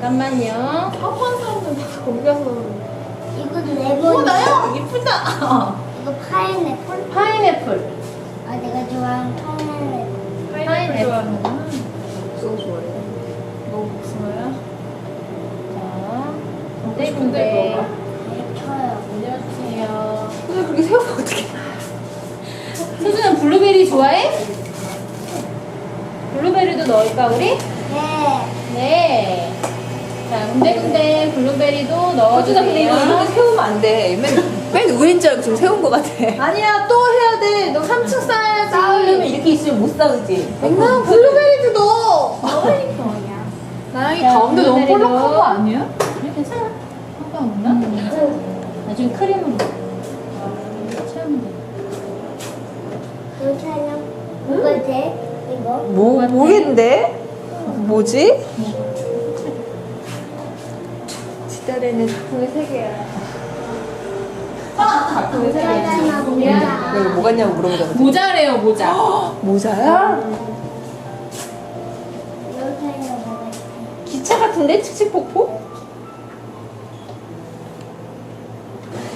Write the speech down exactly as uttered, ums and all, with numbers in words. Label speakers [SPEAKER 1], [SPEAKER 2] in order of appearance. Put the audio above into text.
[SPEAKER 1] 잠깐만요.
[SPEAKER 2] 한번 사람들 다 거기 가서.
[SPEAKER 3] 이거 레몬.
[SPEAKER 2] 오, 나요? 이쁘다. 어.
[SPEAKER 3] 이거 파인애플?
[SPEAKER 1] 파인애플.
[SPEAKER 3] 아, 내가 좋아하는 파인애플.
[SPEAKER 2] 파인애플 좋아하는구나.
[SPEAKER 4] 복숭아 좋아해.
[SPEAKER 2] 너 복숭아야?
[SPEAKER 1] 자,
[SPEAKER 2] 근데
[SPEAKER 1] 군데군데
[SPEAKER 2] 먹어봐.
[SPEAKER 3] 네, 쳐요.
[SPEAKER 1] 올려주세요.
[SPEAKER 4] 근데 그렇게 세우면 어떡해.
[SPEAKER 1] 수준은 블루베리 좋아해? 블루베리도 넣을까 우리?
[SPEAKER 3] 네.
[SPEAKER 1] 네. 자, 군데군데 블루베리도
[SPEAKER 4] 서준아 근데 이거 이렇게
[SPEAKER 1] 넣어주세요.
[SPEAKER 4] 세우면 안 돼. 맨, 맨 위인 줄 알고 지금 세운 거 같아.
[SPEAKER 2] 아니야, 또 해야 돼. 너 삼 층 쌓아야지.
[SPEAKER 4] 쌓으려면 이렇게 있으면 못 쌓으지.
[SPEAKER 2] 나 블루베리도 넣어.
[SPEAKER 3] 넣으니까 뭐냐.
[SPEAKER 2] 나영이
[SPEAKER 1] 자,
[SPEAKER 2] 가운데 너무
[SPEAKER 1] 블루베리도.
[SPEAKER 2] 볼록한 거 아니야?
[SPEAKER 1] 그래, 괜찮아.
[SPEAKER 2] 상관없나?
[SPEAKER 1] 나중에 크림으로 채우면 돼.
[SPEAKER 3] 괜찮아. 뭐지? 이거?
[SPEAKER 4] 뭐, 모르겠는데? 뭐지? 지달에는 작품이 세 개야. 작품이 세 개야.
[SPEAKER 3] 괜찮아, 뭐야.
[SPEAKER 4] 이거 뭐 같냐고 물어보자.
[SPEAKER 1] 모자래요, 모자.
[SPEAKER 4] 모자야?
[SPEAKER 3] 괜찮아, 뭐가
[SPEAKER 4] 기차 같은데? 칙칙폭폭?